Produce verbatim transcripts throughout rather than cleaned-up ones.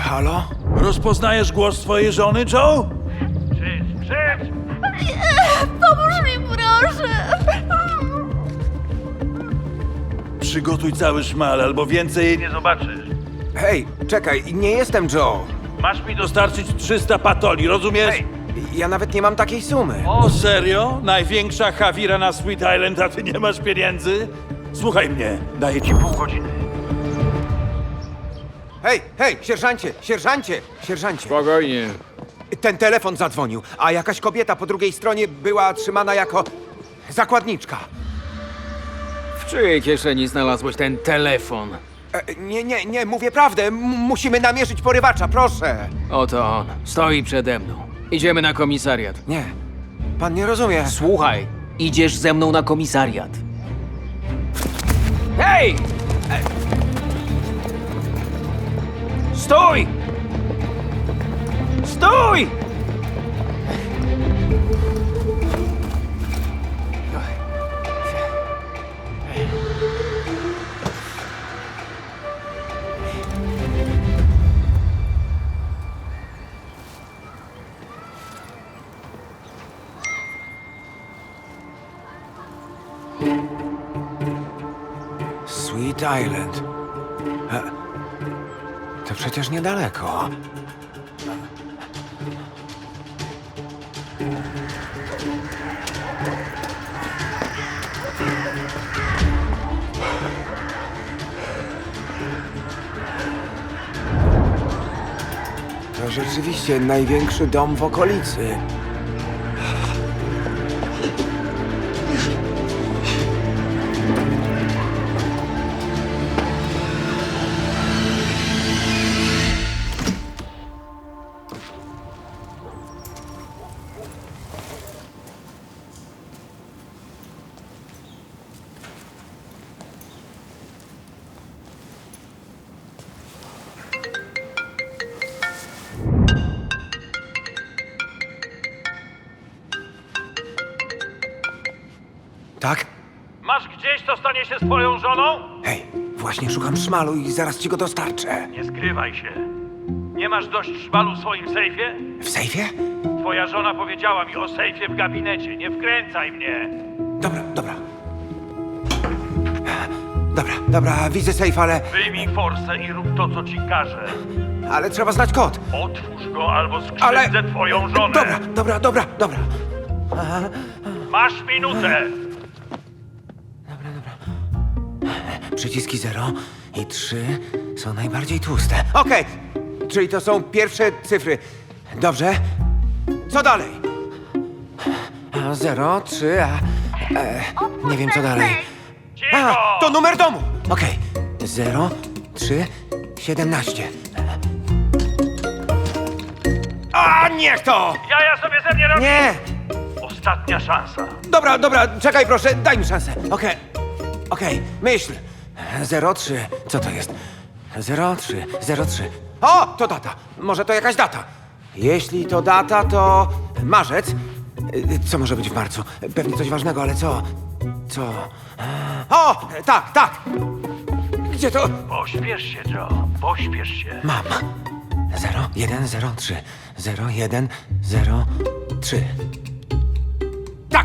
Halo? Rozpoznajesz głos twojej żony, Joe? Krzycz, krzycz! Pomóż mi, proszę! Przygotuj cały szmal, albo więcej jej nie Nie zobaczysz. Hej, czekaj, nie jestem Joe. Masz mi do... dostarczyć trzysta patoli, rozumiesz? Hej, ja nawet nie mam takiej sumy. O, serio? Największa Hawira na Sweet Island, a ty nie masz pieniędzy? Słuchaj mnie, daję ci pół godziny. Hej, hej, sierżancie, sierżancie, sierżancie. Spokojnie. Ten telefon zadzwonił, a jakaś kobieta po drugiej stronie była trzymana jako zakładniczka. W czyjej kieszeni znalazłeś ten telefon? E, nie, nie, nie, mówię prawdę. M- musimy namierzyć porywacza, proszę. Oto on. Stoi przede mną. Idziemy na komisariat. Nie, pan nie rozumie. Słuchaj, idziesz ze mną na komisariat. Hej! E- Stój! Stój! Sweet Island. E, to przecież niedaleko. To rzeczywiście największy dom w okolicy. Tak? Masz gdzieś, co stanie się z twoją żoną? Hej, właśnie szukam szmalu i zaraz ci go dostarczę. Nie skrywaj się. Nie masz dość szmalu w swoim sejfie? W sejfie? Twoja żona powiedziała mi o sejfie w gabinecie. Nie wkręcaj mnie. Dobra, dobra. Dobra, dobra, widzę sejf, ale... Wyjmij forsę i rób to, co ci każę. ale trzeba znać kod. Otwórz go albo skrzywdzę Ale... twoją żonę. Dobra, dobra, dobra, dobra. Masz minutę. Przyciski zero i trzy są najbardziej tłuste. Okej, czyli to są pierwsze cyfry. Dobrze. Co dalej? A, Zero, trzy, a... E, nie wiem co dalej. Cicho! A, to numer domu! Okej. Zero, trzy, siedemnaście. A, niech to! Ja, ja sobie ze mnie robię. Nie! Ostatnia szansa. Dobra, dobra, czekaj proszę, daj mi szansę. Okej, okej, myśl. Zero, trzy, co to jest? Zero, trzy, zero, trzy. O, to data. Może to jakaś data. Jeśli to data, to marzec. Y, Co może być w marcu? Pewnie coś ważnego, ale co? Co? O, tak, tak. Gdzie to? Pośpiesz się, Joe. Pośpiesz się. Mam. Zero, jeden, zero, trzy. Zero, jeden, zero, trzy. Tak!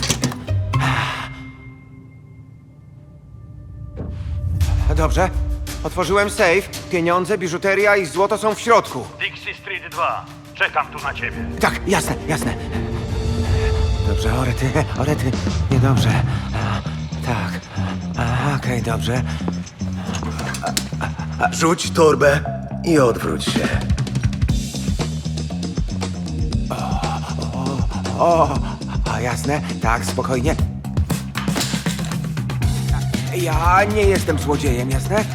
Dobrze. Otworzyłem safe. Pieniądze, biżuteria i złoto są w środku. Dixie Street dwa. Czekam tu na ciebie. Tak, jasne, jasne. Dobrze, orety, orety. Niedobrze. A, tak. A, okej, dobrze. Rzuć torbę i odwróć się. O, a jasne, tak, spokojnie. Ja nie jestem złodziejem, jasne?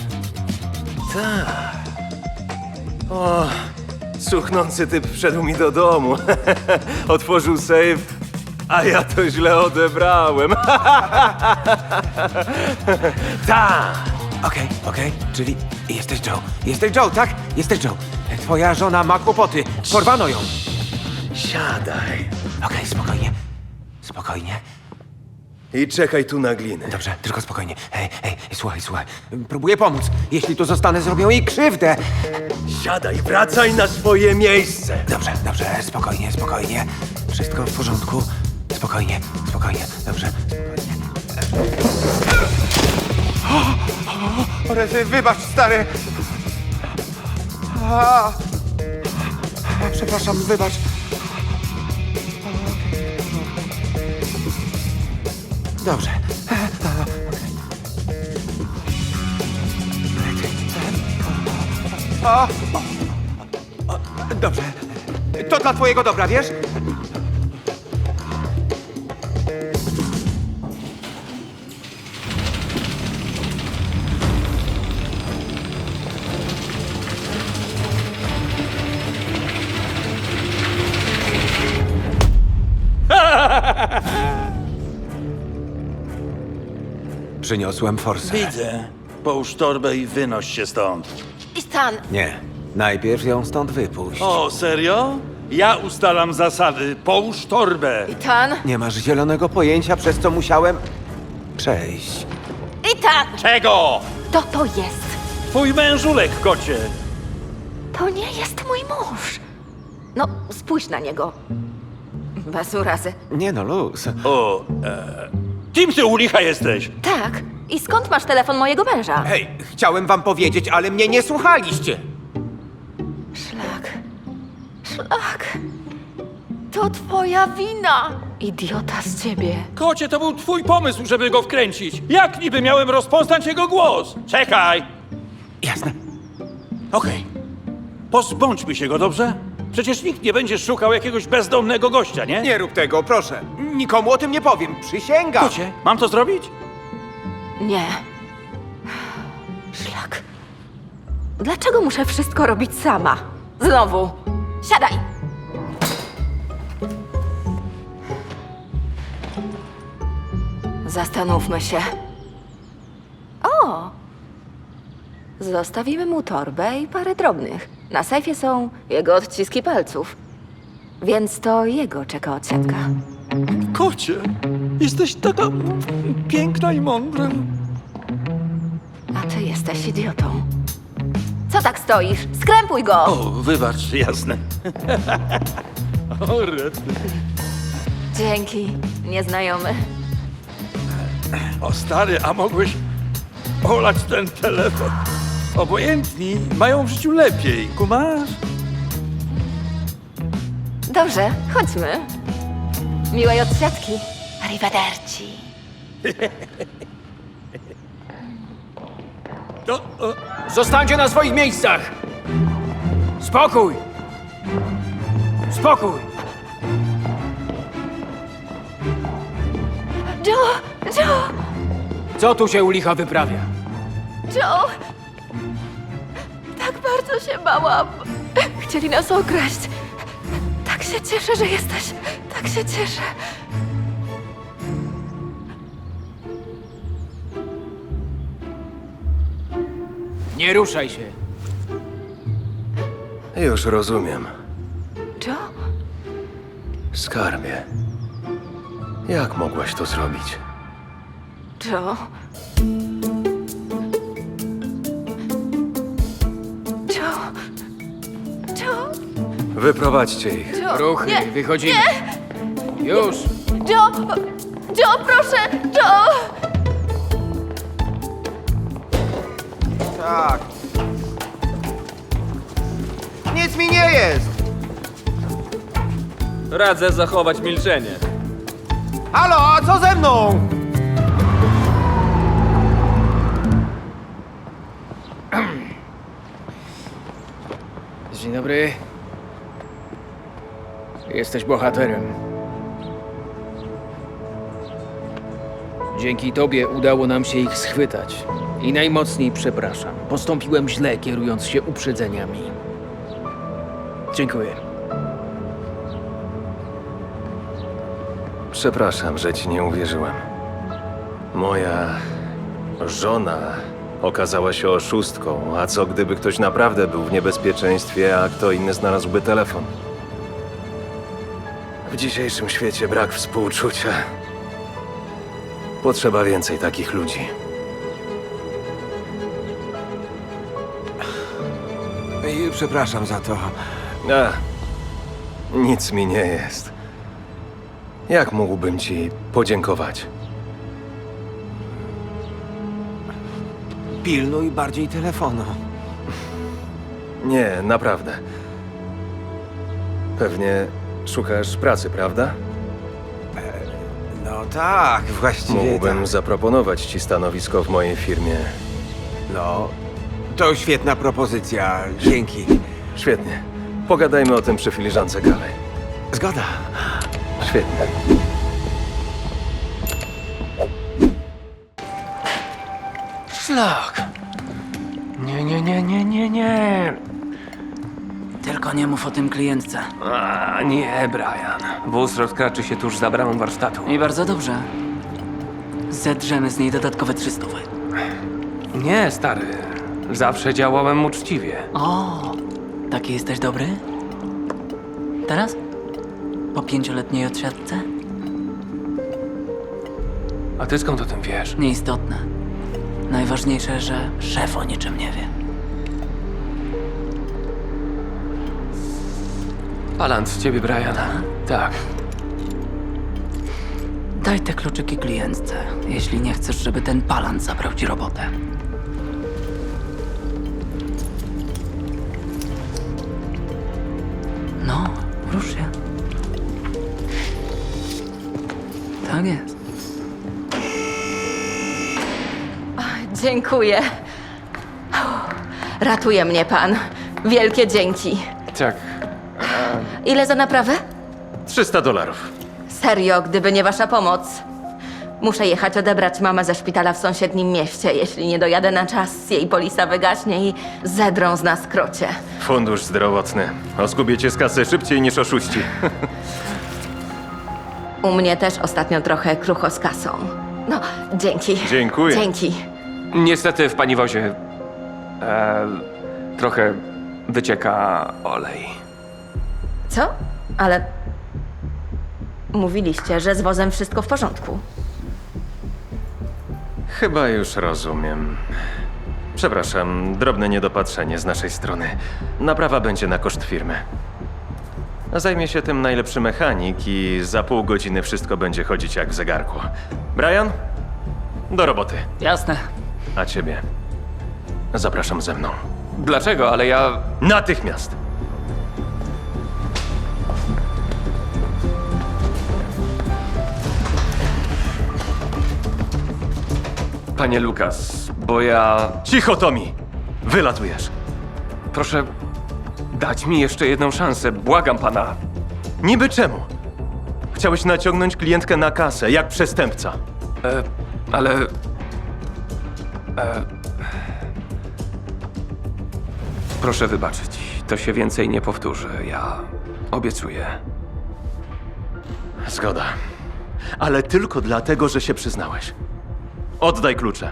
O, cuchnący typ wszedł mi do domu. Otworzył sejf, a ja to źle odebrałem. Tak! Okej, okej, czyli jesteś Joe. Jesteś Joe, tak? Jesteś Joe. Twoja żona ma kłopoty. Porwano ją. Siadaj. Okej, spokojnie. Spokojnie. I czekaj tu na glinę. Dobrze, tylko spokojnie. Hej, hej, słuchaj, słuchaj. Próbuję pomóc. Jeśli tu zostanę, zrobią jej krzywdę. Siadaj, wracaj na swoje miejsce. Dobrze, dobrze, spokojnie, spokojnie. Wszystko w porządku. Spokojnie, spokojnie, dobrze, spokojnie. O, o, o, Rety, wybacz, stary. A, a, przepraszam, wybacz. Dobrze. O, o, o, dobrze. To dla twojego dobra, wiesz? Przyniosłem forsę. Widzę. Połóż torbę i wynoś się stąd. Ethan, Nie. Najpierw ją stąd wypuść. O, serio? Ja ustalam zasady. Połóż torbę. Ethan, Nie masz zielonego pojęcia, przez co musiałem przejść. Ethan! Czego? To to jest. Twój mężulek, kocie. To nie jest mój mąż. No, spójrz na niego. Bez urazy. Nie no, luz. O, e... Kim ty u licha jesteś? Tak. I skąd masz telefon mojego męża? Hej, chciałem wam powiedzieć, ale mnie nie słuchaliście. Szlak. Szlak. To twoja wina. Idiota z ciebie. Kocie, to był twój pomysł, żeby go wkręcić. Jak niby miałem rozpoznać jego głos? Czekaj. Jasne. Okej. Pozbądźmy się go, dobrze? Przecież nikt nie będzie szukał jakiegoś bezdomnego gościa, nie? Nie rób tego, proszę. Nikomu o tym nie powiem. Przysięgam. Kocie, mam to zrobić? Nie. Szlak. Dlaczego muszę wszystko robić sama? Znowu. Siadaj. Zastanówmy się. O! Zostawimy mu torbę i parę drobnych. Na sejfie są jego odciski palców. Więc to jego czeka odsiadka. Kocie, jesteś taka piękna i mądra. A ty jesteś idiotą. Co tak stoisz? Skrępuj go! O, wybacz, jasne. O, rety. Dzięki, nieznajomy. O stary, a mogłeś olać ten telefon? Obojętni mają w życiu lepiej, kumasz? Dobrze, chodźmy. Miłej odsiadki. Arrivederci. O, o, Zostańcie na swoich miejscach! Spokój! Spokój! Joe! Joe! Co tu się u licha wyprawia? Joe! Tak bardzo się bałam. Chcieli nas okraść. Tak się cieszę, że jesteś. Tak się cieszę. Nie ruszaj się. Już rozumiem. Joe? Skarbie. Jak mogłaś to zrobić? Joe? Joe? Joe? Wyprowadźcie ich. Joe? Ruchy, Nie, wychodzimy. Już! Joe! Joe, proszę! Joe! Tak. Nic mi nie jest. Radzę zachować milczenie. Halo, a co ze mną? Dzień dobry. Jesteś bohaterem. Dzięki tobie udało nam się ich schwytać. I najmocniej przepraszam. Postąpiłem źle, kierując się uprzedzeniami. Dziękuję. Przepraszam, że ci nie uwierzyłem. Moja żona okazała się oszustką, a co gdyby ktoś naprawdę był w niebezpieczeństwie, a kto inny znalazłby telefon? W dzisiejszym świecie brak współczucia Potrzeba więcej takich ludzi. I przepraszam za to. A, nic mi nie jest. Jak mógłbym ci podziękować? Pilnuj bardziej telefonu. Nie, naprawdę. Pewnie szukasz pracy, prawda? No tak, właściwie Mógłbym tak. zaproponować ci stanowisko w mojej firmie. No, to świetna propozycja. Dzięki. Świetnie. Pogadajmy o tym przy filiżance kawy. Zgoda. Świetnie. Szlak. Nie, nie, nie, nie, nie, nie. Tylko nie mów o tym klientce. A, nie, Brian. Wóz rozkraczy się tuż za bramą warsztatu. I bardzo dobrze. Zedrzemy z niej dodatkowe trzystówy. Nie, stary. Zawsze działałem uczciwie. O, taki jesteś dobry? Teraz? Po pięcioletniej odsiadce? A ty skąd o tym wiesz? Nieistotne. Najważniejsze, że szef o niczym nie wie. Alan, z ciebie, Brian. Tak. Daj te kluczyki klientce, jeśli nie chcesz, żeby ten palant zabrał ci robotę. No, rusz się. Tak jest. Dziękuję. Ratuje mnie pan. Wielkie dzięki. Tak. Ile za naprawę? trzysta dolarów. Serio, gdyby nie wasza pomoc. Muszę jechać odebrać mamę ze szpitala w sąsiednim mieście. Jeśli nie dojadę na czas, jej polisa wygaśnie i zedrą z nas krocie. Fundusz zdrowotny. Oskubiecie z kasy szybciej niż oszuści. U mnie też ostatnio trochę krucho z kasą. No, dzięki. Dziękuję. Dzięki. Niestety w pani wozie e, trochę wycieka olej. Co? Ale mówiliście, że z wozem wszystko w porządku. Chyba już rozumiem. Przepraszam, drobne niedopatrzenie z naszej strony. Naprawa będzie na koszt firmy. Zajmie się tym najlepszy mechanik i za pół godziny wszystko będzie chodzić jak w zegarku. Brian? Do roboty. Jasne. A ciebie? Zapraszam ze mną. Dlaczego? Ale ja... Natychmiast! Panie Lukas, bo ja... Cicho, Tommy! Wylatujesz. Proszę dać mi jeszcze jedną szansę. Błagam pana. Niby czemu? Chciałeś naciągnąć klientkę na kasę, jak przestępca. E, ale... E, proszę wybaczyć. To się więcej nie powtórzy. Ja obiecuję. Zgoda. Ale tylko dlatego, że się przyznałeś. Oddaj klucze.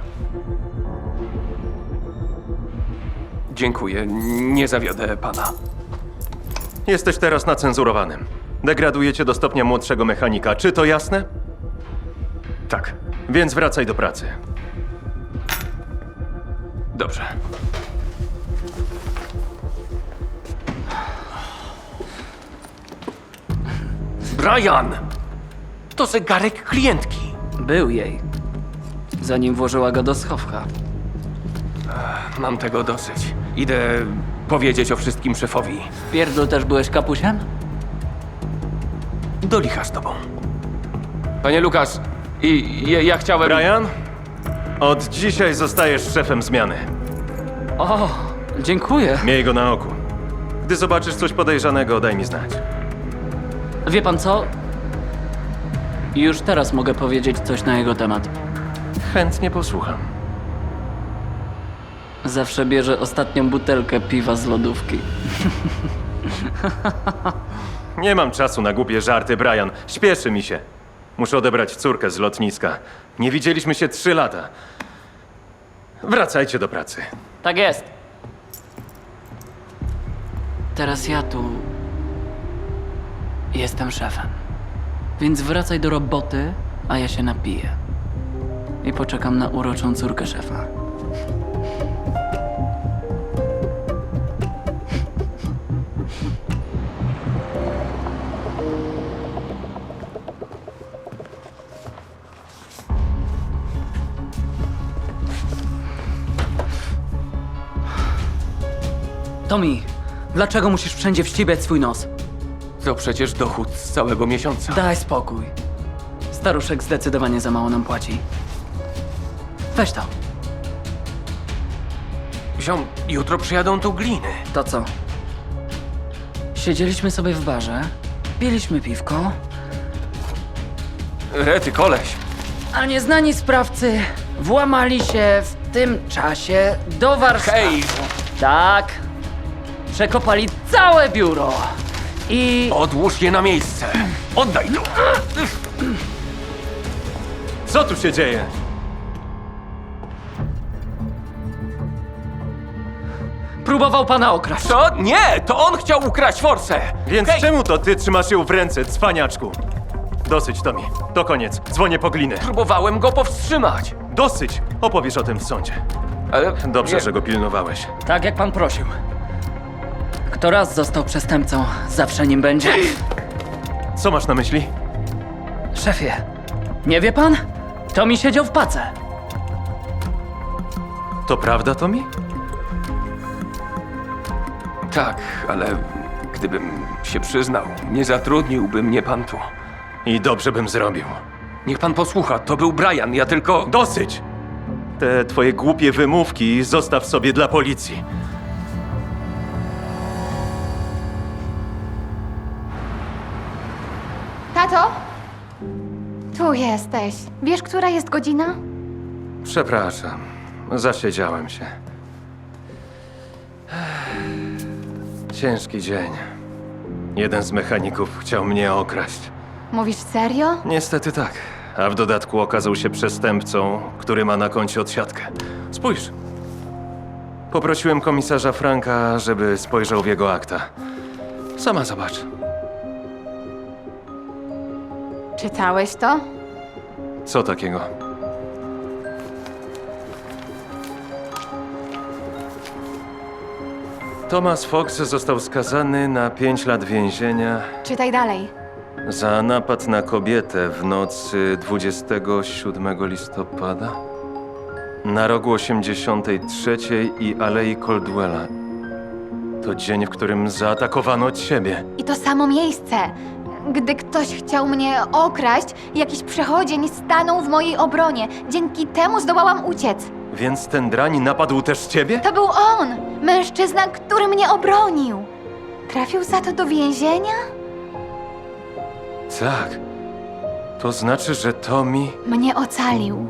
Dziękuję. Nie zawiodę pana. Jesteś teraz na cenzurowanym. Degradujecie do stopnia młodszego mechanika. Czy to jasne? Tak. Więc wracaj do pracy. Dobrze. Brian! To zegarek klientki. Był jej. Zanim włożyła go do schowka. Mam tego dosyć. Idę powiedzieć o wszystkim szefowi. W pierdlu też byłeś kapusiem? Do licha z tobą. Panie Lukas, i ja, ja chciałem... Brian? Od dzisiaj zostajesz szefem zmiany. O, dziękuję. Miej go na oku. Gdy zobaczysz coś podejrzanego, daj mi znać. Wie pan co? Już teraz mogę powiedzieć coś na jego temat. Chętnie posłucham. Zawsze bierze ostatnią butelkę piwa z lodówki. Nie mam czasu na głupie żarty, Brian. Śpieszy mi się. Muszę odebrać córkę z lotniska. Nie widzieliśmy się trzy lata. Wracajcie do pracy. Tak jest. Teraz ja tu jestem szefem. Więc wracaj do roboty, a ja się napiję. i poczekam na uroczą córkę szefa. Tommy, dlaczego musisz wszędzie wścibiać swój nos? To przecież dochód z całego miesiąca. Daj spokój. Staruszek zdecydowanie za mało nam płaci. Weź to. Ziom, jutro przyjadą tu gliny. To co? Siedzieliśmy sobie w barze, piliśmy piwko, Rety, koleś. a nieznani sprawcy włamali się w tym czasie do warsztatu. Hej! Tak. Przekopali całe biuro. I... Odłóż je na miejsce. Oddaj to. Co tu się dzieje? próbował pana okraść. Co? Nie! To on chciał ukraść forsę! Więc Hej! czemu to ty trzymasz ją w ręce, cwaniaczku? Dosyć, Tommy. To koniec. Dzwonię po glinę. Próbowałem go powstrzymać. Dosyć! Opowiesz o tym w sądzie. Ale Dobrze, nie. że go pilnowałeś. Tak jak pan prosił. Kto raz został przestępcą, zawsze nim będzie. Co masz na myśli? Szefie, nie wie pan? To mi siedział w pace. To prawda, Tommy? Tak, ale gdybym się przyznał, nie zatrudniłby mnie pan tu. I dobrze bym zrobił. Niech pan posłucha, to był Brian, ja tylko... Dosyć! Te twoje głupie wymówki zostaw sobie dla policji. Tato? Tu jesteś. Wiesz, która jest godzina? Przepraszam. Zasiedziałem się. Ciężki dzień. Jeden z mechaników chciał mnie okraść. Mówisz serio? Niestety tak. A w dodatku okazał się przestępcą, który ma na koncie odsiadkę. Spójrz. Poprosiłem komisarza Franka, żeby spojrzał w jego akta. Sama zobacz. Czytałeś to? Co takiego? Thomas Fox został skazany na pięć lat więzienia Czytaj dalej. za napad na kobietę w nocy dwudziestego siódmego listopada na rogu osiemdziesiątej trzeciej i Alei Caldwella. To dzień, w którym zaatakowano ciebie. I to samo miejsce. Gdy ktoś chciał mnie okraść, jakiś przechodzień stanął w mojej obronie. Dzięki temu zdołałam uciec. Więc ten drań napadł też ciebie? To był on! Mężczyzna, który mnie obronił. Trafił za to do więzienia? Tak. To znaczy, że Tommy... Mnie ocalił.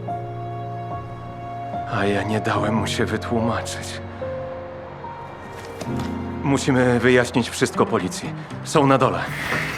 A ja nie dałem mu się wytłumaczyć. Musimy wyjaśnić wszystko policji. Są na dole.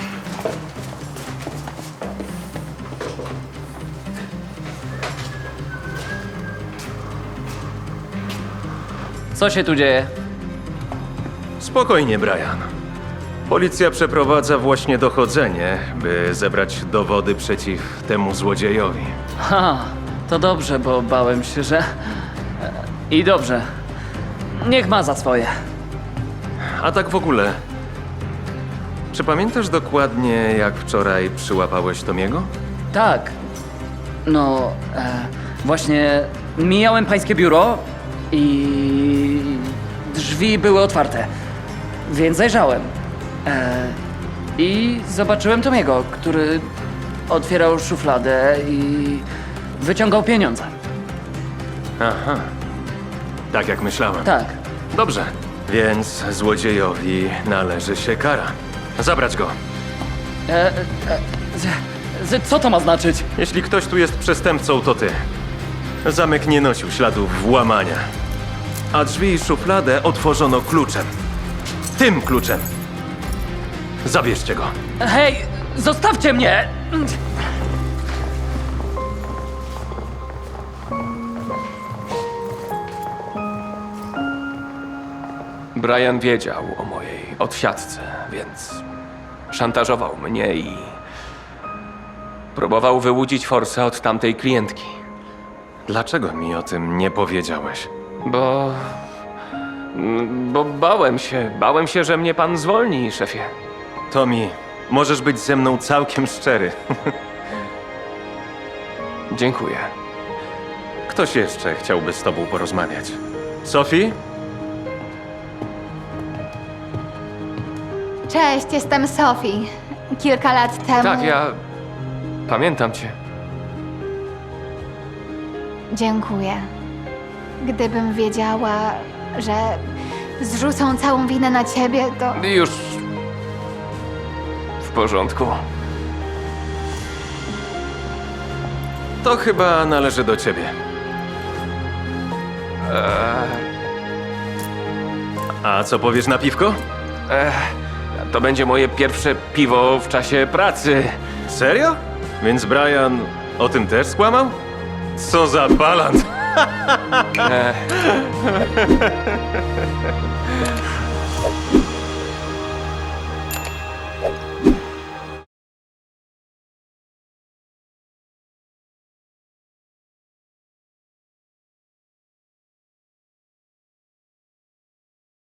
Co się tu dzieje? Spokojnie, Brian. Policja przeprowadza właśnie dochodzenie, by zebrać dowody przeciw temu złodziejowi. Ha, to dobrze, bo bałem się, że... I dobrze. Niech ma za swoje. A tak w ogóle... Czy pamiętasz dokładnie, jak wczoraj przyłapałeś Tomiego? Tak. No, e, właśnie mijałem pańskie biuro i drzwi były otwarte, więc zajrzałem. E, I zobaczyłem Tomiego, który otwierał szufladę i wyciągał pieniądze. Aha. Tak jak myślałem. Tak. Dobrze. Więc złodziejowi należy się kara. Zabrać go. E, e, z, z, co to ma znaczyć? Jeśli ktoś tu jest przestępcą, to ty. Zamek nie nosił śladów włamania. A drzwi i szufladę otworzono kluczem. Tym kluczem. Zabierzcie go. Hej, zostawcie mnie! Brian wiedział o mojej odsiadce, więc szantażował mnie i próbował wyłudzić forsę od tamtej klientki. Dlaczego mi o tym nie powiedziałeś? Bo... mm, Bo bałem się, bałem się, że mnie pan zwolni, szefie. Tommy, możesz być ze mną całkiem szczery. Dziękuję. Ktoś jeszcze chciałby z tobą porozmawiać. Sophie? Cześć, jestem Sophie. Kilka lat temu... Tak, ja... Pamiętam cię. Dziękuję. Gdybym wiedziała, że zrzucą całą winę na ciebie, to... Już... W porządku. To chyba należy do ciebie. A co powiesz na piwko? To będzie moje pierwsze piwo w czasie pracy. Serio? Więc Brian o tym też skłamał? Co za balant! E,